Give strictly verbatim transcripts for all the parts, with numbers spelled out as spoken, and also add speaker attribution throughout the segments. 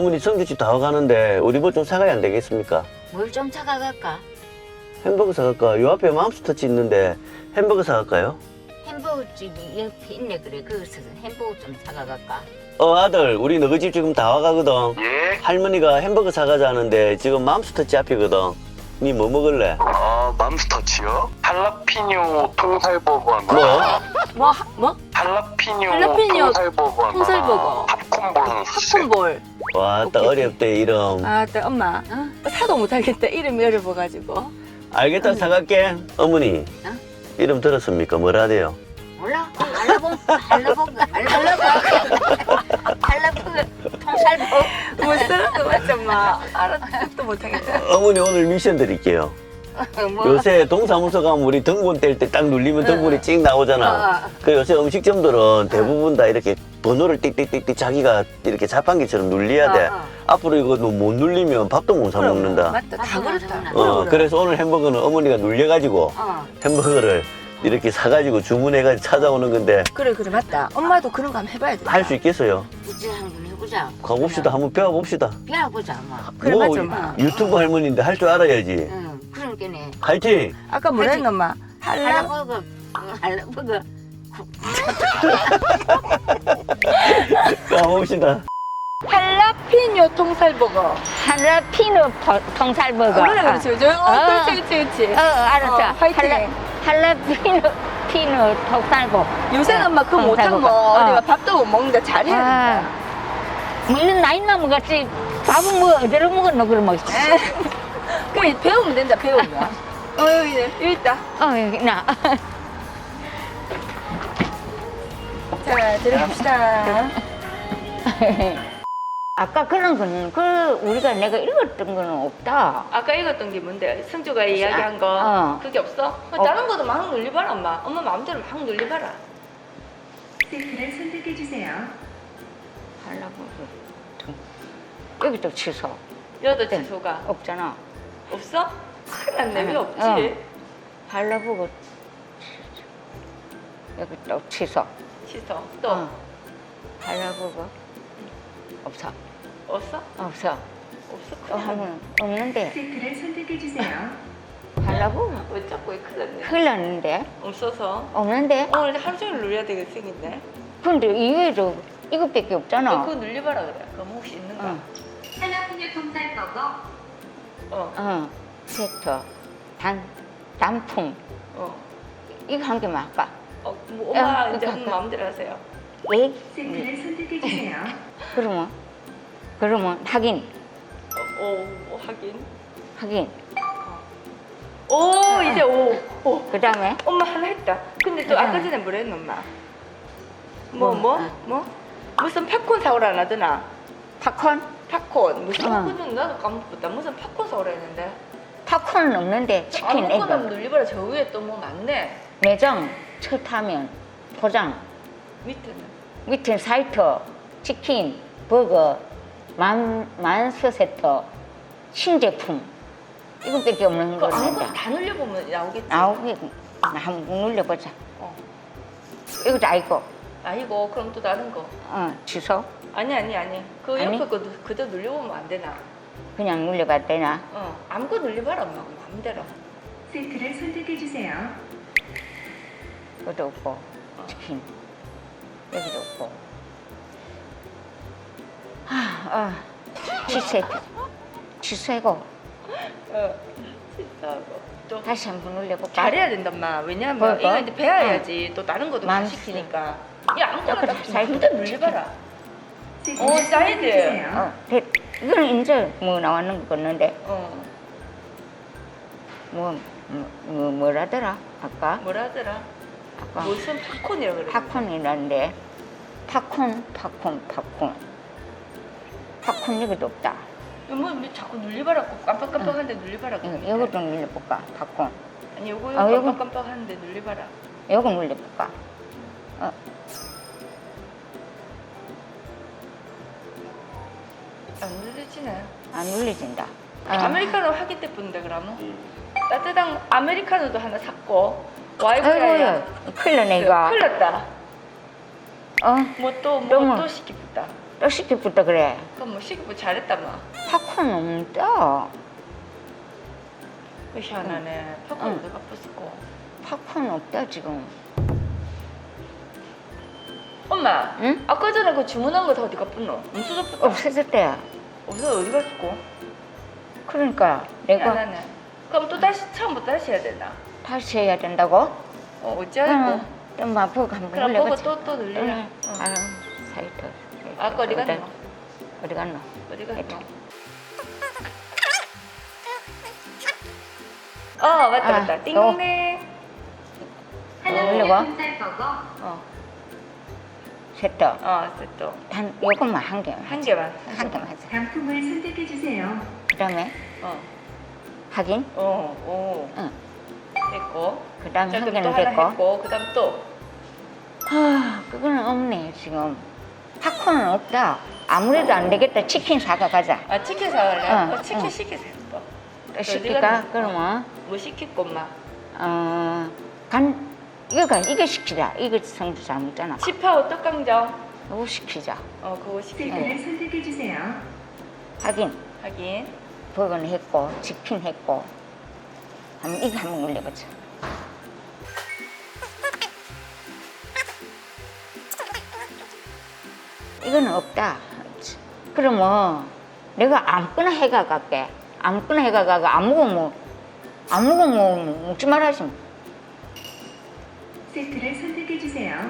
Speaker 1: 어머니 성주집 다 와가는데 우리 뭐 좀 사가야 안 되겠습니까?
Speaker 2: 뭘 좀 사가갈까?
Speaker 1: 햄버거 사갈까? 요 앞에 맘스터치 있는데 햄버거 사갈까요?
Speaker 2: 햄버거 집이 옆에 있네. 그래 거기서 햄버거 좀 사가갈까?
Speaker 1: 어 아들 우리 너희 집 지금 다 와가거든.
Speaker 3: 예?
Speaker 1: 할머니가 햄버거 사가자는데 지금 맘스터치 앞이거든. 니 뭐 먹을래?
Speaker 3: 아, 맘스터치요? 할라피뇨 통살버거
Speaker 1: 뭐?
Speaker 4: 뭐? 하- 뭐?
Speaker 3: 할라피뇨,
Speaker 4: 할라피뇨
Speaker 3: 통살버거 하나.
Speaker 4: 통살버거.
Speaker 3: 팝콘볼 하나 주세요.
Speaker 4: 팝콘볼.
Speaker 1: 와, 딱
Speaker 4: 오케이,
Speaker 1: 어렵대 이름.
Speaker 4: 아, 또 엄마. 어? 사도 못하겠다. 이름이 어려워가지고.
Speaker 1: 알겠다 사갈게. 어머니
Speaker 2: 어?
Speaker 1: 이름 들었습니까? 뭐라 돼요?
Speaker 2: 몰라? 할라봉 할라봉 할라봉 할라봉 통살봉.
Speaker 4: 못 살아도 맞지, 엄마. 알아듣지도 못하겠다.
Speaker 1: 어머니 오늘 미션 드릴게요.
Speaker 2: 뭐?
Speaker 1: 요새 동사무소 가면 우리 등본 뗄 때 딱 누르면 등본이 찍 나오잖아.
Speaker 2: 어.
Speaker 1: 그 요새 음식점들은 대부분 다 이렇게 번호를 띡띡띡띡 자기가 이렇게 자판기처럼 눌려야 돼.
Speaker 2: 어, 어.
Speaker 1: 앞으로 이거 못 누르면 밥도 못 사 먹는다.
Speaker 4: 맞다. 다
Speaker 2: 맞아,
Speaker 4: 그렇다.
Speaker 2: 맞아.
Speaker 1: 어,
Speaker 4: 그래, 그래.
Speaker 1: 그래서 오늘 햄버거는 어머니가 눌려가지고
Speaker 2: 어.
Speaker 1: 햄버거를 이렇게 사가지고 주문해가지고 찾아오는 건데
Speaker 4: 그래, 그래, 맞다. 엄마도 그런 거 한번 해봐야 돼.
Speaker 1: 할 수 있겠어요?
Speaker 2: 이제 한번 해보자.
Speaker 1: 가봅시다. 한번 배워봅시다.
Speaker 2: 배워보자 뭐.
Speaker 4: 그래,
Speaker 1: 뭐
Speaker 4: 맞죠, 엄마.
Speaker 1: 유튜브 할머니인데 할 줄 알아야지.
Speaker 2: 응. 그러니까네.
Speaker 1: 화이팅!
Speaker 4: 아까 뭐라 했노, 엄마? 할라?
Speaker 2: 할라봉 할라봉.
Speaker 1: 가봅시다.
Speaker 4: 할라피뇨 통살버거.
Speaker 2: 할라피노 통살버거.
Speaker 4: 그래, 그렇지. 저, 어,
Speaker 2: 어.
Speaker 4: 그렇지, 그렇지, 그렇지.
Speaker 2: 어, 알았어.
Speaker 4: 어, 화이팅.
Speaker 2: 할라, 할라피노 피노 통살복.
Speaker 4: 요새는 엄마 그거 못하면
Speaker 2: 통살버거. 어.
Speaker 4: 어디가 밥도 못 먹는데 잘해야 된다.
Speaker 2: 아, 뭐 이런 나이 나면 같이 밥은 뭐 어디로 먹었노 그러면.
Speaker 4: 그래, 배우면 된다, 배우면. 어, 여기, 여기 있다.
Speaker 2: 어, 여기 나.
Speaker 4: 자, 들어갑시다.
Speaker 2: 아까 그런 거는 그 우리가 내가 읽었던 거는 없다.
Speaker 4: 아까 읽었던 게 뭔데? 승주가 이야기한 거
Speaker 2: 어.
Speaker 4: 그게 없어?
Speaker 2: 어.
Speaker 4: 다른 것도 막 눌려봐라 엄마. 엄마 마음대로 막 눌려봐라.
Speaker 5: 세트를 선택해 주세요.
Speaker 2: 하려고 여기 또 취소.
Speaker 4: 여도 취소가
Speaker 2: 없잖아.
Speaker 4: 없어? 큰일 났네. 왜
Speaker 2: 어.
Speaker 4: 없지?
Speaker 2: 하려고 여기 또 취소.
Speaker 4: 취소. 또
Speaker 2: 어. 하려고 없어.
Speaker 4: 없어?
Speaker 2: 없어.
Speaker 4: 없어?
Speaker 2: 또
Speaker 4: 큰일 났네.
Speaker 2: 하면 없는데
Speaker 5: 세트를 선택해 주세요.
Speaker 2: 하려고
Speaker 4: 왜 자꾸 왜 큰일 났네.
Speaker 2: 큰일 났는데
Speaker 4: 없어서
Speaker 2: 없는데.
Speaker 4: 오늘 하루 종일 눌려야 되겠생긴데.
Speaker 2: 근데 이외에도 이것밖에 없잖아.
Speaker 4: 그거 눌려봐라 그래. 그럼 혹시 있는가?
Speaker 2: 응.
Speaker 5: 할라피뇨 통살버거.
Speaker 4: 어.
Speaker 2: 어. 세트 단 단품
Speaker 4: 어.
Speaker 2: 이거 한 개만 할까?
Speaker 4: 어, 뭐 엄마
Speaker 2: 어,
Speaker 4: 이제
Speaker 2: 그러니까.
Speaker 4: 한 마음대로 하세요.
Speaker 2: 예?
Speaker 5: 세트를 선택해 주세요.
Speaker 2: 그러면 그러면 확인
Speaker 4: 어, 오, 오, 하긴.
Speaker 2: 확인.
Speaker 4: 오, 이제 오. 오.
Speaker 2: 그 다음에
Speaker 4: 엄마 하나 했다. 근데 또
Speaker 2: 그래.
Speaker 4: 아까 전에 뭐라 했노 엄마? 뭐,
Speaker 2: 뭐?
Speaker 4: 뭐?
Speaker 2: 아.
Speaker 4: 뭐? 무슨 팝콘 사오라 안 하더나?
Speaker 2: 팝콘?
Speaker 4: 팝콘. 무슨
Speaker 2: 어.
Speaker 4: 팝콘 나도 까먹었다. 무슨 팝콘 사오라 했는데.
Speaker 2: 팝콘은 없는데 치킨
Speaker 4: 아무거나
Speaker 2: 에그
Speaker 4: 눌리봐라. 저 위에 또 뭐 많네.
Speaker 2: 매장 첫 하면 포장
Speaker 4: 밑에는.
Speaker 2: 밑에 사이트 치킨 버거 만 만스 세트 신제품 이것밖에 없는
Speaker 4: 그거 아무거나
Speaker 2: 거는데
Speaker 4: 다 눌려보면 나오겠지.
Speaker 2: 아홉 개 한번 눌러보자.
Speaker 4: 어.
Speaker 2: 이것도 아니고
Speaker 4: 아이고, 그럼 또 다른 거.
Speaker 2: 어 취소
Speaker 4: 아니, 아니, 아니. 그
Speaker 2: 아니?
Speaker 4: 옆에 거 그대로 눌려보면 안 되나?
Speaker 2: 그냥 눌려봐도 되나?
Speaker 4: 어. 아무거나 눌려봐라, 엄마. 마음대로.
Speaker 5: 세트를 선택해 주세요.
Speaker 2: 그것도 없고 치킨 여기도 없고 아, 아 취소해 취소하고
Speaker 4: 어. 진짜고. 또.
Speaker 2: 다시 한번 눌려볼까?
Speaker 4: 잘해야 된다, 엄마. 왜냐면
Speaker 2: 뭐,
Speaker 4: 이거
Speaker 2: 뭐?
Speaker 4: 이제 배워야지. 또 다른 것도 다
Speaker 2: 맘스.
Speaker 4: 시키니까. 야, 아무거나
Speaker 2: 그래,
Speaker 4: 딱
Speaker 2: 사이드
Speaker 4: 마음대로 눌려봐라.
Speaker 5: 세트를
Speaker 4: 오,
Speaker 5: 선택해
Speaker 4: 사이드.
Speaker 5: 주세요.
Speaker 2: 어, 돼. 이거는 이제 뭐 나왔는 거 같는데
Speaker 4: 어.
Speaker 2: 뭐, 뭐, 뭐 뭐라더라 아까
Speaker 4: 뭐라 하더라?
Speaker 2: 아까
Speaker 4: 무슨 팝콘이라 그래.
Speaker 2: 팝콘이라는데 팝콘 팝콘 팝콘 팝콘 여기도 없다.
Speaker 4: 뭐, 뭐 자꾸 눌려봐라. 깜빡깜빡한데 눌려봐라.
Speaker 2: 이거, 이것도 눌려볼까 팝콘
Speaker 4: 아니, 요거
Speaker 2: 아, 요거?
Speaker 4: 깜빡깜빡하는데 눌려봐라.
Speaker 2: 이거 눌려볼까 어.
Speaker 4: 안 눌려지네.
Speaker 2: 안 눌려진다 어.
Speaker 4: 아메리카노 하기 때 뿐데 그러면 따뜻한 아메리카노도 하나 샀고
Speaker 2: 아이고
Speaker 4: 와이프야
Speaker 2: 큰일 났네 이거
Speaker 4: 큰일 났다.
Speaker 2: 어?
Speaker 4: 뭐 또
Speaker 2: 또
Speaker 4: 뭐
Speaker 2: 뭐?
Speaker 4: 또 시키겠다.
Speaker 2: 또 시키부터 그래.
Speaker 4: 그럼 뭐 시키고 잘했다 뭐.
Speaker 2: 팝콘 없다.
Speaker 4: 왜 희한하네. 팝콘
Speaker 2: 응.
Speaker 4: 내가 부수고.
Speaker 2: 팝콘 없다 지금.
Speaker 4: 엄마.
Speaker 2: 응?
Speaker 4: 아까 전에 그 주문한 거 다 어디 갔었노? 없어졌다.
Speaker 2: 없어졌대.
Speaker 4: 없어 어디 갔었고?
Speaker 2: 그러니까 내가
Speaker 4: 희한하네. 그럼 또 다시 처음부터 다시 해야 되나?
Speaker 2: 다시 해야 된다고?
Speaker 4: 어 어찌하고?
Speaker 2: 좀 맛보고 한번
Speaker 4: 그럼 보고
Speaker 2: 올려보자.
Speaker 4: 또 또 늘리라.
Speaker 2: 응.
Speaker 4: 응.
Speaker 2: 아유 사이트.
Speaker 4: 아까 어디 갔노?
Speaker 2: 어디 갔노?
Speaker 4: 어디 갔노? 어 맞다
Speaker 2: 아,
Speaker 4: 맞다. 띵동댕.
Speaker 5: 하나뿐인
Speaker 2: 올려봐.
Speaker 5: 통살버거.
Speaker 4: 어.
Speaker 2: 됐다.
Speaker 4: 어 됐어.
Speaker 2: 한 요것만 한 개만.
Speaker 4: 한 개만.
Speaker 2: 한 개만 하자.
Speaker 5: 단품을 선택해 주세요.
Speaker 2: 그다음에
Speaker 4: 어.
Speaker 2: 확인.
Speaker 4: 어. 오.
Speaker 2: 응.
Speaker 4: 됐고.
Speaker 2: 그다음에
Speaker 4: 자
Speaker 2: 한
Speaker 4: 그럼 또
Speaker 2: 개는
Speaker 4: 하나
Speaker 2: 됐고.
Speaker 4: 했고 그다음 또.
Speaker 2: 아 그거는 없네 지금. 팝콘은 없다. 아무래도 안 되겠다. 치킨 사가 가자.
Speaker 4: 아 치킨 사갈래?
Speaker 2: 응,
Speaker 4: 어, 치킨
Speaker 2: 응.
Speaker 4: 시키세요 또.
Speaker 2: 또 시킬까? 그러면
Speaker 4: 뭐 시킬 것만.
Speaker 2: 어간 이거가 이거 시키자. 이거 성주 잘 먹잖아.
Speaker 4: 치파오 떡강정.
Speaker 2: 이거 시키자.
Speaker 4: 어 그거 시키고.
Speaker 5: 세트를 선택해 주세요.
Speaker 2: 확인.
Speaker 4: 하긴.
Speaker 2: 버거는 했고 치킨 했고. 한번 이거 한번 올려보자. 이거는 없다. 그러면 내가 아무거나 해가 갈게. 아무거나 해가 가고 아무거 뭐 아무거 뭐 먹지 말아지. 뭐.
Speaker 5: 세트를 선택해 주세요.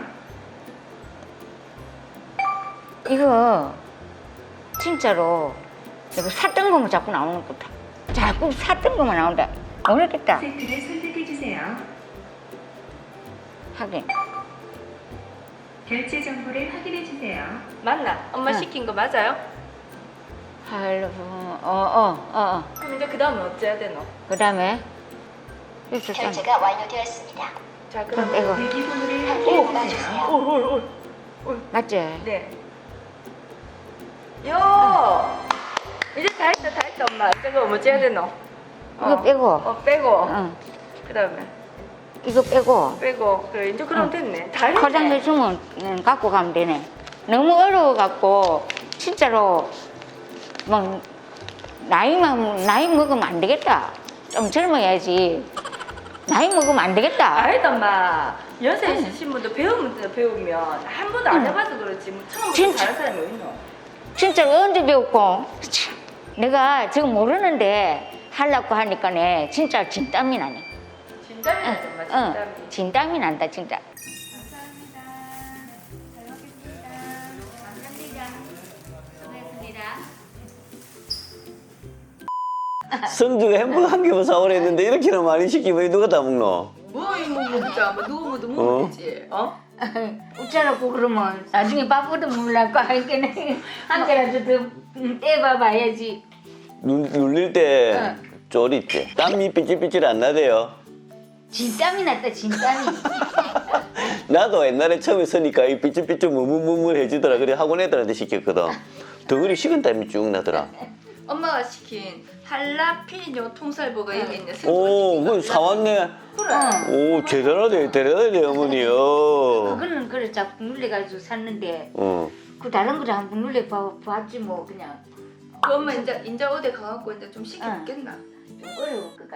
Speaker 2: 이거 진짜로 내가 샀던 거만 자꾸 나오는 것 같아. 자꾸 샀던 거만 나온다. 모르겠다.
Speaker 5: 세트를 선택해 주세요.
Speaker 2: 하긴.
Speaker 5: 결제 정보를 확인해 주세요.
Speaker 4: 맞나? 엄마
Speaker 2: 응.
Speaker 4: 시킨 거 맞아요?
Speaker 2: 할로 어어어 어, 어.
Speaker 4: 그럼 이제 그 다음에 어찌해야 되노?
Speaker 2: 그다음에 있었잖아.
Speaker 6: 결제가 완료되었습니다.
Speaker 4: 자
Speaker 2: 그럼
Speaker 4: 그럼
Speaker 2: 이거
Speaker 5: 대기번호를
Speaker 6: 오,
Speaker 5: 확인해 주세요.
Speaker 6: 눌러주세요.
Speaker 4: 올올올
Speaker 2: 맞지?
Speaker 4: 네. 요 이제 다 했다 다 했다 엄마. 이제 그럼 어찌해야 되노?
Speaker 2: 이거 빼고.
Speaker 4: 어 빼고.
Speaker 2: 응.
Speaker 4: 그 다음에
Speaker 2: 이거 빼고
Speaker 4: 빼고. 그래 이제 그럼
Speaker 2: 응.
Speaker 4: 됐네. 다 했네.
Speaker 2: 포장해 주면 응, 갖고 가면 되네. 너무 어려워 갖고 진짜로 뭐 나이만 나이 먹으면 안 되겠다. 좀 젊어야지. 나이 먹으면 안 되겠다.
Speaker 4: 아니다 엄마. 연세 있으신 분도 배우면 배우면 한 번도 안
Speaker 2: 응.
Speaker 4: 해봐서 그렇지 뭐 처음부터
Speaker 2: 진짜.
Speaker 4: 잘하는 사람이 어딨노?
Speaker 2: 진짜로 언제 배웠고 참, 내가 지금 모르는데 하려고 하니까네 진짜 진땀이 나네.
Speaker 4: 진땀이 나지 엄마 진땀이.
Speaker 2: 응, 진땀이 난다 진짜.
Speaker 1: 성주가 햄버거 한 개만 사오라 했는데 이렇게나 많이 시키면 누가 다 먹노?
Speaker 4: 뭐이 뭐 먹자. 뭐 누구 뭐도
Speaker 1: 어?
Speaker 4: 먹으면 되지. 어?
Speaker 2: 웃자라고 그러면 나중에 밥보다 물라고 하니까는 한 개라도 더 떼봐 봐야지.
Speaker 1: 눌, 눌릴 때 쫄있지? 땀이 삐질삐질 안 나대요.
Speaker 2: 진땀이 났다 진땀이.
Speaker 1: 나도 옛날에 처음에 서니까 이 삐질삐질 무물무물해지더라. 그래 학원 애들한테 시켰거든. 덩어리 식은 땀이 쭉 나더라.
Speaker 4: 엄마가 시킨 할라피뇨 통살버거 여기 있네.
Speaker 1: 오, 그거 사왔네.
Speaker 4: 그래.
Speaker 1: 오, 대단하대, 대단하대, 어머니요.
Speaker 2: 그거는 그래 자꾸 눌려가지고 샀는데
Speaker 1: 어.
Speaker 2: 그 다른 거를 한번 눌려 봐- 봤지 뭐 그냥
Speaker 4: 그 엄마 이제 이제 어디 가갖고 이제 좀 시켜먹겠나?
Speaker 2: 좀 어려울 것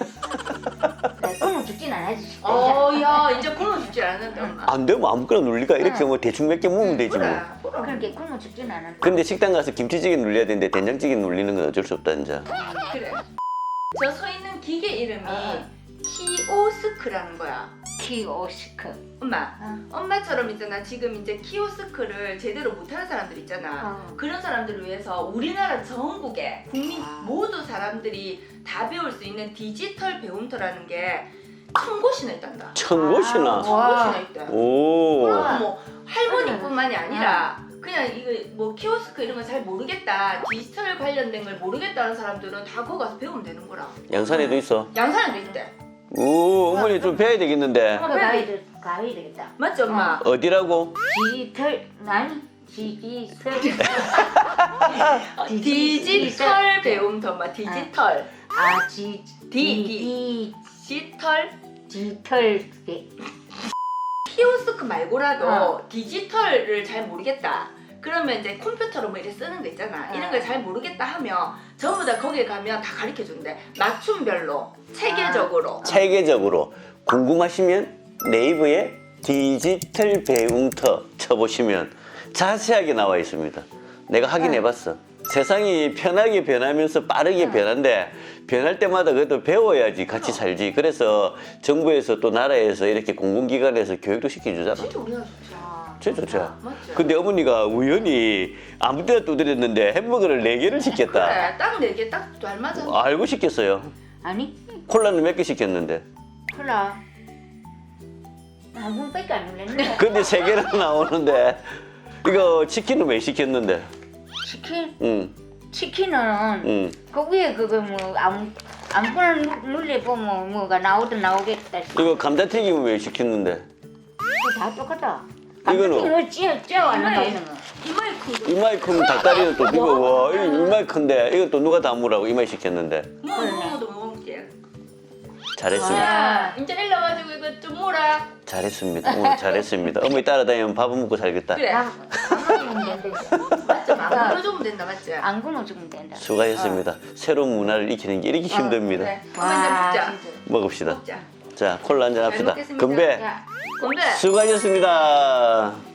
Speaker 2: 같지. 나 굶어 죽진 않아지.
Speaker 4: 어야 이제 굶어 죽지 않는데 엄마.
Speaker 1: 안 되면 아무거나 눌릴까? 이렇게 뭐 대충 몇 개 먹으면 되지 뭐.
Speaker 4: 그래. 그래.
Speaker 2: 그렇게 굶어 죽진 않아.
Speaker 1: 근데 식당 가서 김치찌개 눌려야 되는데 된장찌개 눌리는 건 어쩔 수 없다, 이제.
Speaker 4: 그래. 저 서 있는 기계 이름이
Speaker 2: 어.
Speaker 4: 키오스크라는 거야.
Speaker 2: 키오스크.
Speaker 4: 엄마,
Speaker 2: 어.
Speaker 4: 엄마처럼 있잖아. 지금 이제 키오스크를 제대로 못하는 사람들 있잖아.
Speaker 2: 어.
Speaker 4: 그런 사람들을 위해서 우리나라 전국에 국민
Speaker 2: 아.
Speaker 4: 모두 사람들이 다 배울 수 있는 디지털 배움터라는 게 천 곳이나 있단다.
Speaker 1: 천 곳이나.
Speaker 2: 아,
Speaker 4: 천
Speaker 2: 와.
Speaker 4: 곳이나 있대.
Speaker 1: 오.
Speaker 4: 그럼 뭐 할머니뿐만이 아니라 그냥 이거 뭐 키오스크 이런 거 잘 모르겠다, 디지털 관련된 걸 모르겠다는 사람들은 다 거기 가서 배우면 되는 거라.
Speaker 1: 양산에도 있어.
Speaker 4: 양산에도 있대.
Speaker 1: 오, 어머니 좀 배워야 되겠는데.
Speaker 2: 그거 가야 돼, 가야 되겠다.
Speaker 4: 맞지 엄마?
Speaker 1: 어디라고?
Speaker 2: 디지털 아니 디지털.
Speaker 4: 어, 디지털 배움터 엄마. 디지털.
Speaker 2: 아 디,
Speaker 4: 디,
Speaker 2: 디,
Speaker 4: 디지털.
Speaker 2: 디지털 배-
Speaker 4: 키오스크 말고라도
Speaker 2: 어.
Speaker 4: 디지털을 잘 모르겠다. 그러면 이제 컴퓨터로 뭐 이렇게 쓰는 거 있잖아.
Speaker 2: 네.
Speaker 4: 이런 걸 잘 모르겠다 하면 전부 다 거기에 가면 다 가르쳐 준대. 맞춤별로 체계적으로.
Speaker 1: 체계적으로 궁금하시면 네이버에 디지털 배움터 쳐보시면 자세하게 나와 있습니다. 내가 확인해봤어. 세상이 편하게 변하면서 빠르게 변한데 변할 때마다 그래도 배워야지 같이 살지. 그래서 정부에서 또 나라에서 이렇게 공공기관에서 교육도 시켜주잖아.
Speaker 4: 진짜 우리나라 좋죠.
Speaker 1: 진짜 좋죠.
Speaker 4: 맞죠.
Speaker 1: 근데 어머니가 우연히 아무 때나 두드렸는데 햄버거를 네 개를 시켰다.
Speaker 4: 그래, 딱 네 개 딱 닮아잖아.
Speaker 1: 알고 시켰어요.
Speaker 2: 아니
Speaker 1: 콜라는 몇 개 시켰는데.
Speaker 2: 콜라 한 번밖에 안 눌렸는데
Speaker 1: 근데 세 개나 나오는데 이거 치킨은 왜 시켰는데?
Speaker 2: 치킨
Speaker 1: 응,
Speaker 2: 치킨은
Speaker 1: 응.
Speaker 2: 그 위에 그거 뭐 아무 아무거나 누- 눌려보면 뭐가 나오든 나오겠다.
Speaker 1: 이거 감자튀김은 왜 시켰는데?
Speaker 2: 그거 다 똑같아.
Speaker 1: 이거는?
Speaker 2: 이거 찌어 찌어 안
Speaker 4: 이마에
Speaker 2: 나오는 거.
Speaker 4: 이마에 큰 거.
Speaker 1: 이마이 큰 닭다리는 또 이거 와 이거 이마이 큰데 이거 또 누가 담으라고 이마이 시켰는데
Speaker 4: 뭐 먹어도 못 먹게.
Speaker 1: 잘했습니다.
Speaker 4: 야, 이제 일로 와가지고 이거 좀 몰아.
Speaker 1: 잘했습니다. 오늘 잘했습니다. 어머니 따라다니면 밥은 먹고 살겠다.
Speaker 4: 그래.
Speaker 2: 나 가만히 된다.
Speaker 4: 맞죠? 막 불러주면 된다, 맞지?
Speaker 2: 안 굶어주면 된다.
Speaker 1: 수고하셨습니다. 새로운 문화를 익히는 게 이렇게 힘듭니다.
Speaker 4: 그래. 한번 이제
Speaker 2: 와
Speaker 4: 먹자.
Speaker 2: 진짜.
Speaker 1: 먹읍시다.
Speaker 4: 먹자.
Speaker 1: 자 콜라 한잔 합시다.
Speaker 4: 잘 먹겠습니다.
Speaker 1: 건배.
Speaker 2: 야.
Speaker 4: 건배.
Speaker 1: 수고하셨습니다.